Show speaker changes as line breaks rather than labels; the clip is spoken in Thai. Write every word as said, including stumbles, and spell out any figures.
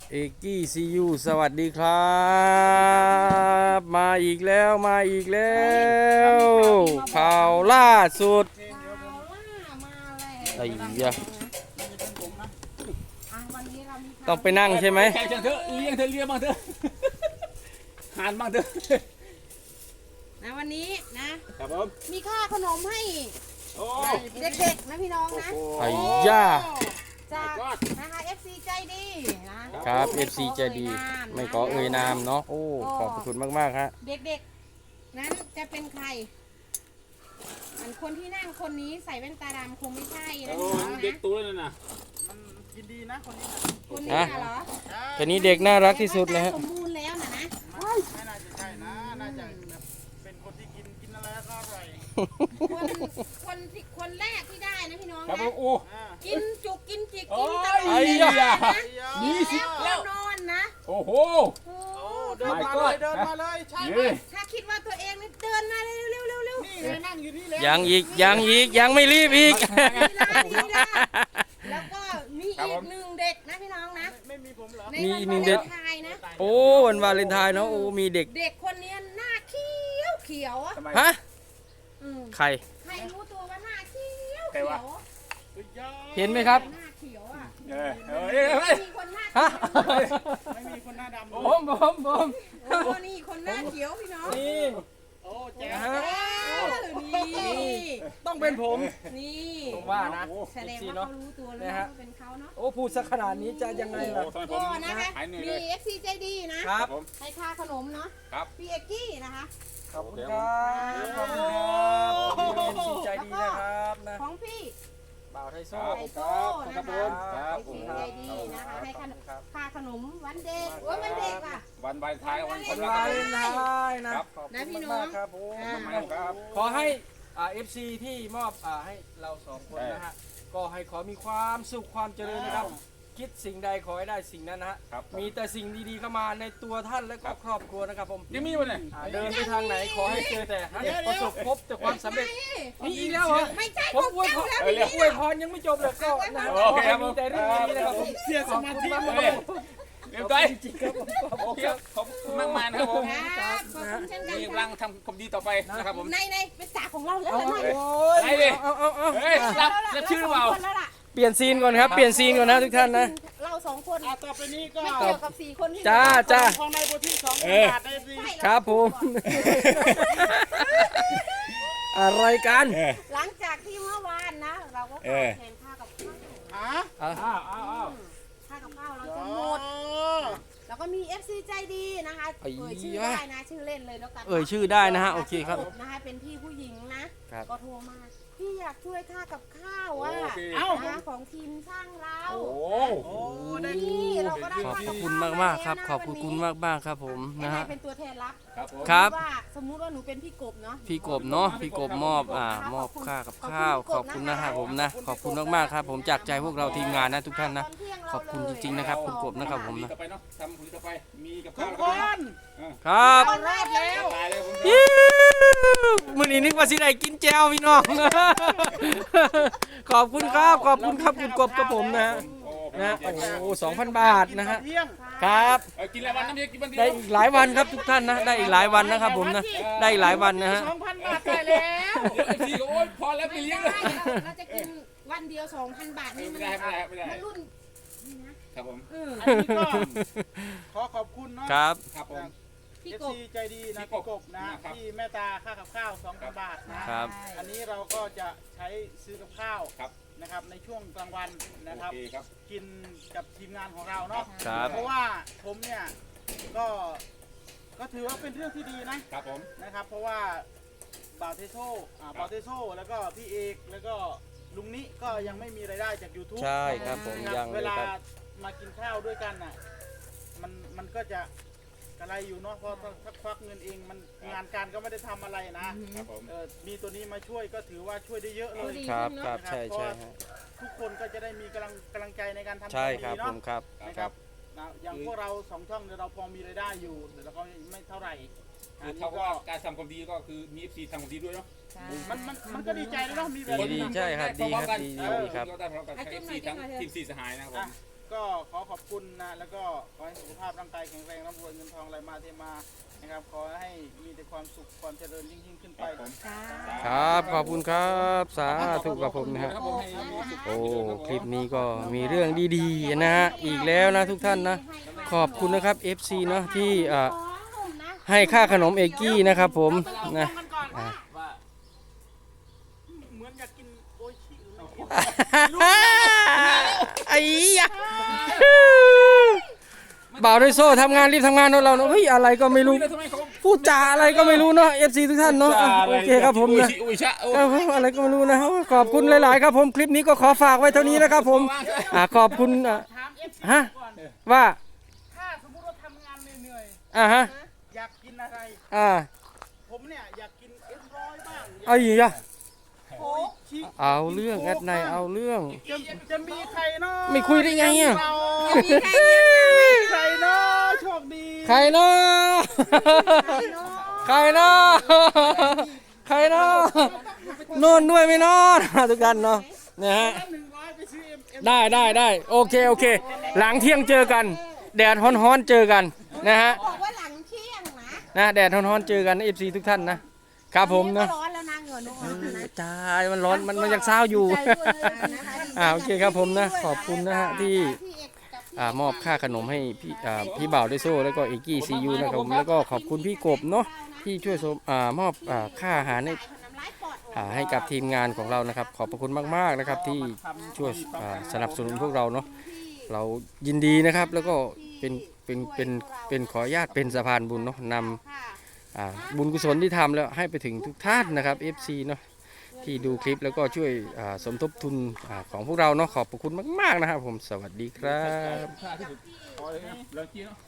เอกกี้ซียูสวัสดีครับมาอีกแล้วมาอีกแล้วข่าวล่าสุดไอ้ยะต้องไปนั่งใช่ไหม
แข่งเถอะเลี้ยงเธอเลี้ยงบ้างเถอะหานบ้างเถอะ
นะวันนี้นะครับ
ผม
มีค่าขนมให้
โอ้
เด็กๆนะพี่น้องนะ
ไอ้ยะ
จากนะคะ เอฟ ซี ใจดีนะครับ
เอฟซีใจดีไม่ขอเอ่ยนามเนาะโอ้ขอบคุณมากๆฮะ
เด็กๆนั้นจะเป็นใครอันคนที่นั่งคนนี้ใส่แว่นตาดำคงไม่ใช่นะ
โห
พี่น้อง
เด็ก
นะ
ตัวนั่นน่ะ
มันกินดีนะคนนี้นะ
คนนี้น่ะเหรอ
คนนี้เด็กน่ารักที่สุดเลยฮะ
สมบูรณ์แล้วนะนะ
ไม่น่าจะใช่นะ น่าจะแบบเป็นคนที่กินกินอะไรแล้วก็อร่อย
คนคนที่คนแรกที่ได้นะพี่น้อง
ครับ
นะ
ผมโอ้
อ่า
กินจุกกินจิก
โอ้
กิน
ย
ตลอด
ไอ้
เลย
ยะ
นะ
ยี่สิบแล้ว
นอนนะ
โอ้โห
โอ้
โอ้เดินมาเลยเดินมาเลยใช่ไหม
นี่
ถ้าคิดว่าตัวเองนี่เดินมาเร็วเร็วเร็วเร็ว
นี่ไงนั่งอยู่นี่แล้ว
ยังอีกยังอีกยังไม่รีบอีก
นี่นะนี่นะแล้วก็มีอีกหนึ่งเด็กนะพี่น้องนะ
ไม่มีผมเหรอ
ใน
มี
วั
อี
น
กหนึ่
วาง เล
เด็ก
นไทน์นะ
โอ้วันวาเลนไทน์เนาะโอ้มีเด็ก
เด็กคนนี้หน้าเขียวเขียวอ่ะ
ทำไม
ฮะ
อืม
ใคร
ใครรู้ตัวว่าหน้าเขียว
ใคร
เขียว
วะ
สุดยอด
เห็นไหมครับ
หน้าเขียวอ่ะ
เออเออเอ้ยเอ้ย
มีคนหน้า
ฮะ
ไม่มีคนหน้าดำ
ผมผมผม
โอ้นี่คนหน้าเขียวพี่น้อง
นี่
โอ้แจ๊
นะ
ค
ฮะ
เออนี่
ต้องเป็นผม
นี่
ผมว่านะ
แสดงว่าเขารู้ตัวแล้วว่าเป็นเขาเนาะ
โอ้พูดสักขนาดนี้จะยังไง
โอ้
ล่ะ
ทำไมผ
ก็
ม
นะคะ
หายเหนื่อย
มี
เลย
เอฟซีใจดีนะ
ครับ
ผม
ให้ค่าขนมเนาะ
ครับ
พี่เอกกี้นะคะ
ขอบคุณครับขอบคุณครับขอบคุณดีใจดีนะครับนะ
ของพี่
บ่าวไทยโซ่
ไอโซ่นะ
ครั
คะ
บผม
ครับ
เอกซีใจดีนะคะให้ขนม
ครับ
ค่าขนมวันเด็กโอ้ยวันเด็กอ่ะ
วันวาเลนไทน์วันค
วัน น
รั
วาก
ค
เล
รับ
นไทน์นะครับ ขอบ
นะ
คุ
พี่
ณ
น้อง
มากๆครับผม
อ่า
ครับ
ขอให้อ่าเอฟซีที่มอบอ่าให้เราสองคนนะฮะก็ให้ขอมีความสุขความเจริญนะครับ คิดสิ่งใดขอให้ได้สิ่งนั้นนะฮะ
ครับ
มีแต่สิ่งดีๆเข้ามาในตัวท่านและก็ครอบครัวนะครับผม
ยังมีวันไหน
อ่าเดินไปทางไหนขอให้เจอแต่ให้ประสบพบแต่ความสำเร็จ
ไม่
มีอีกแล้วเหรอ
ไม่ใช่
ผ
ข
ม
อง
อวยพ
เจ้าร แล้ว
เออ
พี่
เรียก
อวยพรยังไม่จบเลยก็นะ
โอเคครับผม
มีแต่เรื่องดีๆนะครับผม
เสียสมาธิ
ขอบคุณ
เล
มาก
ย
ๆ
เรียบร้อย
จริงๆครับผมขอบ
โอ
คุณ
เค
ครับ
ขอบคุณมากมายนะครับผม
ครับขอบคุณเช่นกัน
มี
ค
กำลั
รั
ง
บ
ทำความดีต่อไปนะครับผม
ในในเป็นสาของเราแล้ว
เอา
เหรอ
เอา
เนี่ย
โอ้ย
ไหนดิ
เอาเอาเอา
เฮ้ยรับรับชื่อหรือเปล่า
สงคนแล้วล่ะ
เปลี่ยนซีนก่อนครับ เปลี่ยนซีนก่อนนะทุกท่านนะ
เราสองคน
อ่ะต่อไปนี้ก็
ไม่เกี่ยวกับสี่คนที่
จ้าจ้า
ของในโบที่สอง
เออ
บาทได้สิ
ใช่เา
ครับผม อะไรกัน
เออ
หลังจากที่เมื่อวานนะ เราก็ข
เอ
อ
อ
แทนค่ากับข้าว
อ่ะ
อ่ะ
อ้าวอ้าวอ้าว
ค่ากับข้าวเราจ
อ๋
น
อ
หมด แล้วก็มี เอฟ ซี ใจดีนะคะ เอ่ยชื่อได้นะ ชื่อเล่นเลยแล้วกัน
เอ่ยชื่อได้นะฮะโอเคครับ
นะคะเป็นพี่ผู้หญิงนะ
ครับ
ก็โทรมา พี่อยากช่วยค่ากับข้าวอ่ะ
โอเค
เอ้า
นะของทีมช่างเรา
โอ้โห
โอ้ได้
นี่เราก็ได้
ขอบ
ค่า
พระ
กับ
คุณ
ข้าว
มากๆครับ
แล้วนะ
ขอบพระคุณมากมากๆครับผมนะ
ให้
ฮะ
เป็นตัวแทนรับ
ครับผม
ครับ
ว่าสมมุติว่าหนูเป็นพี่กบเนาะ
พี่กบเนาะพี่กบมอบอ่ามอบค่ากับข้าว ขอบคุณนะครับผมนะ ขอบคุณมากๆครับ ผมจากใจพวกเราทีมงานนะทุกท่านนะ ขอบคุณจริงๆนะครับคุณกบนะครับผมนะ
ต่อไปเนาะทำผลต่อไปมีกับ
ทุ
ข้าว
ก
แล้ว
ค
ก็
น
ครับ
ตอนแรกแล้ว
ตายเลยผม
อิ๊วมื่อนี้นึกว่าสิได้กินแจวพี่น้อง ขอบคุณครับขอบคุณครับคุณกบกับผมนะฮะ
โอ้
นะโอ้โหสองพันบาทนะฮะ
กิเที่ยง
ครับ
เออกินอะไรวันน้ำเดียวกินวันเดียว
ได้อีกหลายวันครับทุกท่านนะได้อีกหลายวันนะครับผมนะได้อีกหลายวันนะฮะ
สองพันบาทได้แล้ว
เดี๋ยวไอ้ทีก็โอ๊ยพอแล้วไป
ไม่
เลี้ยง
ได้
เลย
เราจะกินวันเดียวสองพันบาทนี่มัน
ไม่ได้ไม่ได้ไม่ได้
มันรุ่นนี่นะครับ
ผม
เออ
อันนี้ก็ขอขอบคุณเนาะ
ครับ
ครับผม
พี่
เอฟ
กบ
ซีใจดีนะ
พี่
พี่
ก
ก
บบ
นะ
นะครับ
ที่แม่ตาค่ากับข้าวสองพันบาทนะครับ อันนี้เราก็จะใช้ซื้อกับข้าว
ครับ
นะครับในช่วงกลางวันนะครับ
โอเคครับ
กินกับทีมงานของเราเนาะ
ครับ
เพราะว่าผมเนี่ยก็ก็ถือว่าเป็นเรื่องที่ดีนะครับ
ผม
นะครับ เพราะว่าบาวเทโซอ่าบาวเทโซแล้วก็พี่เอกแล้วก็ลุงนิก็ยังไม่มีรายได้จาก YouTube
ใช่ครับผม
นะค
ยั
รับ
ง
เว
เลย
ลา
ครับ
มากินข้าวด้วยกันน่ะมันมันก็จะกระไรอยู่เนาะเพราะถ้าถ้าควักเงินเองมันงานการก็ไม่ได้ทำอะไรนะครับ
ผม
เออมีตัวนี้มาช่วยก็ถือว่าช่วยได้เยอะเลย
ดี
ครับ
ขึ้นเนอะ
ครับใช่ใช่ฮะ
ทุกคนก็จะได้มีกำลังกำลังใจในการทำ
ใช่
วาม
ครับ
ดี
ผ
เนาะ
มครับ
นะครับนะอย่างพวกเราสองช่องเนี่ยเราพอมีรายได้อยู่แต่เราก็ไม่เท่าไหร่
คือเท่ากับว่าการทำความดีก็คือมี เอฟ ซี ทำความดีด้วยเนาะ
ใช่
มันมันมันก็ดีใจเลยเนาะมีแบบ
ดีดี
นี้
ใช่ครับดีครับดีดีดีครับ
ก็ได้พร้อมกัน
อ่ะ
เอ
จิ้ม
ฟ
หน่
ซี
อยจิ้
ทั้
ม
ง
หน่อยเถอะ
ทีมซีสหายนะครับผม
ก็ขอขอบคุณนะแล้วก็ขอให้สุขภาพร่างกายแข็งแรงร่ำรวยเงินทองไหลมาเทมานะครับขอให้มีแต่ความสุขความเจริญยิ่งยิ่งขึ้นไป
ครับขอบคุณครับสาธุกับผมนะฮะ
ครับผมให้มีสุข
โอ้คลิปนี้ก็มีเรื่องดีๆนะฮะอีกแล้วนะทุกท่านนะขอบคุณนะครับ เอฟ ซี เนาะที่อ่าให้ค่าขนมเอกกี้นะครับผมนะ
มันก่อน
อ่ะ
ว่า
เหมือนอยากกินโออิชิหรือไม่
ไอ้ยะบ่าวด้วยโซ่ทำงานรีบทำงานของเราเนาะเฮ้ยอะไรก็ไม่รู้
ทำไมเขา
พูดจาอะไรก็ไม่รู้เนาะ เอฟ ซี ทุกท่านเนาะอ่ะโอเคครับผมนะ
อุ้ยชะโอ้
ครับผมอะไรก็ไม่รู้นะขอบคุณหลายๆครับผมคลิปนี้ก็ขอฝากไว้เท่านี้นะครับผมอ่ะขอบคุณอ่ะ
ถามเอฟซี
ฮะ
ก่อน
ว่า
ถ้าสมมติว่าทำงานเหนื่อย
อ่ะฮะ
ๆอยากกินอะไร
อ่า
ผมเนี่ยอยากกินเอ็มร้อยบ้าง
เอาอีกอ่ะ
โอ้ชิ
เอาเรื่องแอดในเอาเรื่อง
จะจะมีใครเนาะ
ไม่คุยได้ไงอ่ะ
เรา
มีใครยัง
ใครเนาะโชคดี
ใครเนาะใครเนาะใครเนาะนอนด้วยไม่นอนทุกท่านเนาะนะฮะ
หนึ่งร้อยไปซื้อเอ็มเอ็ม
ได้ได้ได้โอเคโอเค หลังเที่ยงเจอกัน แดดฮ้อนๆเจอกันนะฮะ
บอกว่าหลังเที่ยงนะ
นะแดดฮ้อนๆเจอกัน เอฟ ซี ทุกท่านนะครับผม
ก็
นะ
ร้อนแล้วนะเหงื่อนุ่มนะ
จ้ามันร้อนมันมันยังเศร้าอยู่ อ่าโอเคครับผมนะขอบคุณนะฮะที่อ่ามอบค่าขนมให้พี่อ่าพี่บ่าวด้วยโซ่แล้วก็เอกกี้ซียูนะครับผมแล้วก็ขอบคุณพี่กบเนาะที่ช่วยสมอ่ามอบอ่าค่าอาหารให้อ่าให้กับทีมงานของเรานะครับ ขอบพระคุณมากๆนะครับที่ช่วยอ่าสนับสนุนพวกเราเนาะเรายินดีนะครับ แล้วก็เป็นเป็นเป็นเป็นขออนุญาตเป็นสะพานบุญเนาะนำอ่าบุญกุศลที่ทำแล้วให้ไปถึงทุกท่านนะครับ เอฟ ซี เนาะที่ดูคลิปแล้วก็ช่วยอ่าสมทบทุนอาของพวกเราเนาะขอบพระคุณมากๆนะครับผมสวัสดีครับ
ค่าที่สุดพอเลยนะเลิกกินเนาะ